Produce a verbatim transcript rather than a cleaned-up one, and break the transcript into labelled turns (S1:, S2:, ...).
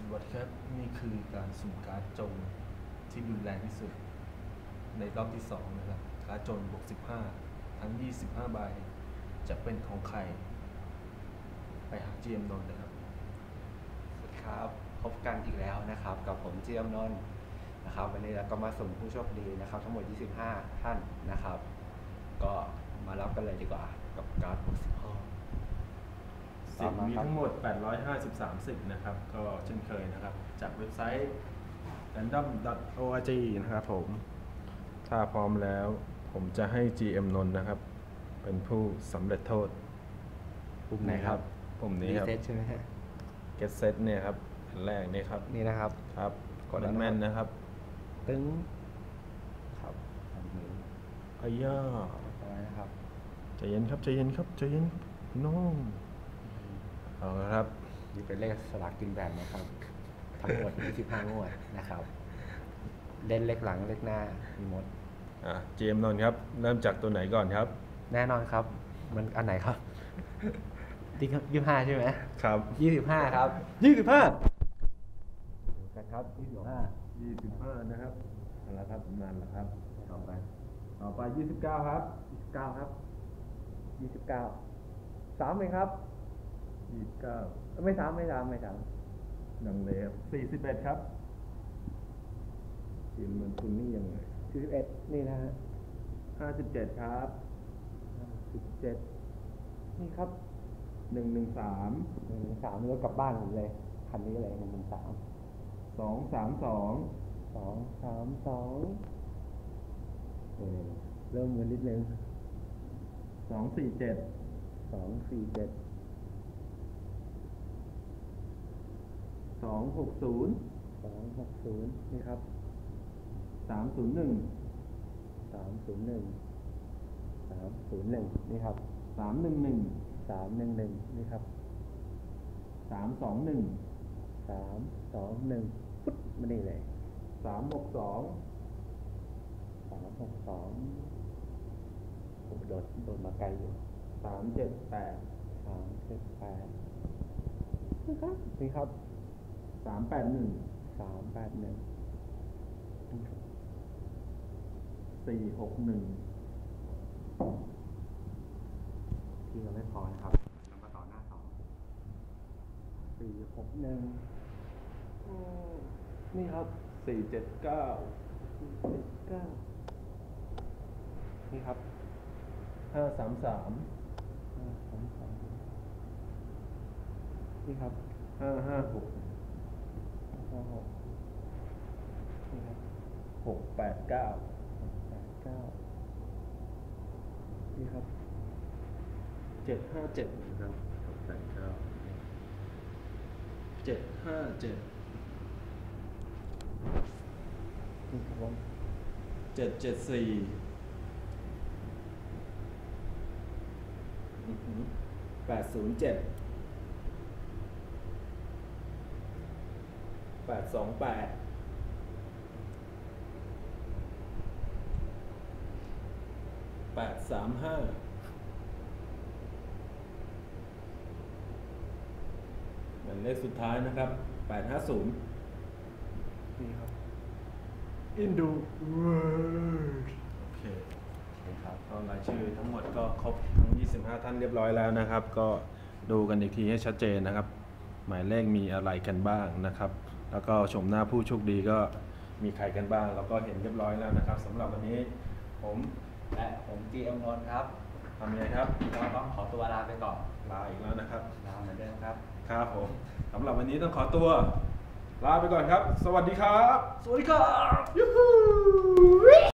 S1: วัสดีครับนี่คือการสุ่มการ์ดจงที่รุนแรงที่สุดในรอบที่สองนะครับการ์ดจงบวกสิบห้าทั้งยี่สิบห้าใบจะเป็นของใครไปหา จี เอ็ม นนท์นะครับ
S2: สวัสดีครับพบกันอีกแล้วนะครับกับผม จี เอ็ม นนท์นะครับวันนี้เราก็มาสุ่มผู้โชคดีนะครับทั้งหมดยี่สิบห้าท่านนะครับก็มารับกันเลยดีกว่ากับการ์ดบวกสิบห้า
S1: สิบมีทั้งหมดแปดร้อยห้าสิบสามสิบนะครับก็เช่นเคยนะครับจากเว็บไซต์ แรนดอม ดอท โอ อาร์ จี นะครับผมถ้าพร้อมแล้วผมจะให้ จี เอ็ม นนท์นะครับเป็นผู้สำเร็จโทษ
S2: ปุ่มไหนครับ
S1: ปุ่มนี้ครับ
S2: รีเซ็ตใช่ไหมฮะ
S1: Get Set เนี่ยครับอันแรกนี่ครับ
S2: นี่นะครับ
S1: ครับกดแม่นๆนะครับ
S2: ตึ้งครับอันนี้
S1: อ้ยย่า
S2: อะไรนะครับ
S1: ใจเย็นครับใจเย็นครับใจเย็นน้องเอาละครับ
S2: นี่เป็นเลขสลากกินแบ่งนะครับทั้งหมดยี่สิบห้างวดนะครับเล่นเลขหลังเลขหน้ามีหมด
S1: อ่ะ จี เอ็ม นนท์ครับเริ่มจากตัวไหนก่อนครับ
S2: แน่นอนครับมันอันไหนครับจริงครับยี่สิบห้าใช่ไหม
S1: ครับ
S2: ยี่สิบห้าครับยี่สิบห้ากันครับยี่สิบห้า
S1: ยี่สิบห้านะครับเอาละครับนานแล้วครับต่อไปต่อไปยี่สิบเก้าครับ
S2: ยี่สิบเก้าครับยี่สิบเก้าสามเลยครับ
S1: ยี่สิบเก้า
S2: ไม่สามไม่สามไม่สาม
S1: ดังเลยครับสี่สิบเอ็ดครับทีมมันคุณนี่ยังไง
S2: สี่สิบเอ็ดนี่นะฮะ
S1: ห้าสิบเจ็ดครับ
S2: ห้าสิบเจ็ดนี่ครับ
S1: หนึ่งหนึ่งสาม
S2: หนึ่งหนึ่งสามรถกลับบ้านผมเลยคันนี้เลยหนึ่งหนึ่งสาม
S1: สองสามสอง
S2: สองสามสองเริ่มเงินนิดนึง
S1: สองสี่เจ็ด
S2: สองสี่เจ็ด
S1: สองหกศูนย์
S2: สองหกศูนย์นี่ครับ
S1: สามศูนย์หนึ่ง
S2: สามศูนย์หนึ่งสามศูนย์หนึ่งนี่ครับ
S1: สามหนึ่งหนึ่ง
S2: สามหนึ่งหนึ่งนี่ครับ
S1: สามสองหนึ่ง
S2: สามสองหนึ่งปุ๊บมานี่เลย
S1: สามหกสอง
S2: สามหกสองผมโดดโดดมาไกลอยู่
S1: สามเจ็ดแปด
S2: สามเจ็ดแปดนี่ครับนี่ครับ
S1: สามแปดหนึ่ง
S2: สามแปดหนึ่ง
S1: สี่หกหนึ่ง
S2: ที่เราไม่พอนะครับเรามาต่อหน้าสองสี่หกหนึ่ง
S1: นี่ครับสี่เจ็ดเก้า
S2: สี่เจ็ดเก้านี่ครับ
S1: ห้าสามสาม
S2: ห้าสามสามนี่ครับ
S1: ห้าห้าหก
S2: ห้าหกนี่ครับ
S1: หกแปดเก้า
S2: หกแปดเก้านี่ครับ
S1: เจ็ดห้าเจ็ดนะครับหกแปดเก้าเจ็ดห้าเจ็ด
S2: นี่ครับผม
S1: เจ็ดเจ็ดสี่แปดศูนย์เจ็ดแปดสองแปดแปดสามห้าเป็นเลขสุดท้ายนะครับแปดห้าศูนย์
S2: นี่ครับ
S1: อินดูเวิร์ดโอเคครับก็รายชื่อทั้งหมดก็ครบทั้งยี่สิบห้าท่านเรียบร้อยแล้วนะครับก็ดูกันอีกทีให้ชัดเจนนะครับหมายเลขมีอะไรกันบ้างนะครับแล้วก็ชมหน้าผู้โชคดีก็มีใครกันบ้างแล้วก็เห็นเรียบร้อยแล้วนะครับสำหรับวันนี้ผม
S2: และผม จี เอ็ม นนท์ครับ
S1: ทำยังไงครับ
S2: เราต้องขอตัวลาไปก่อน
S1: ลาอีกแล้วนะครับ
S2: ลาเหมือนเดิมครับ
S1: ครับผมสำหรับวันนี้ต้องขอตัวลาไปก่อนครับสวัสดีครับ
S2: สวัสดีครับ
S1: ยูฮู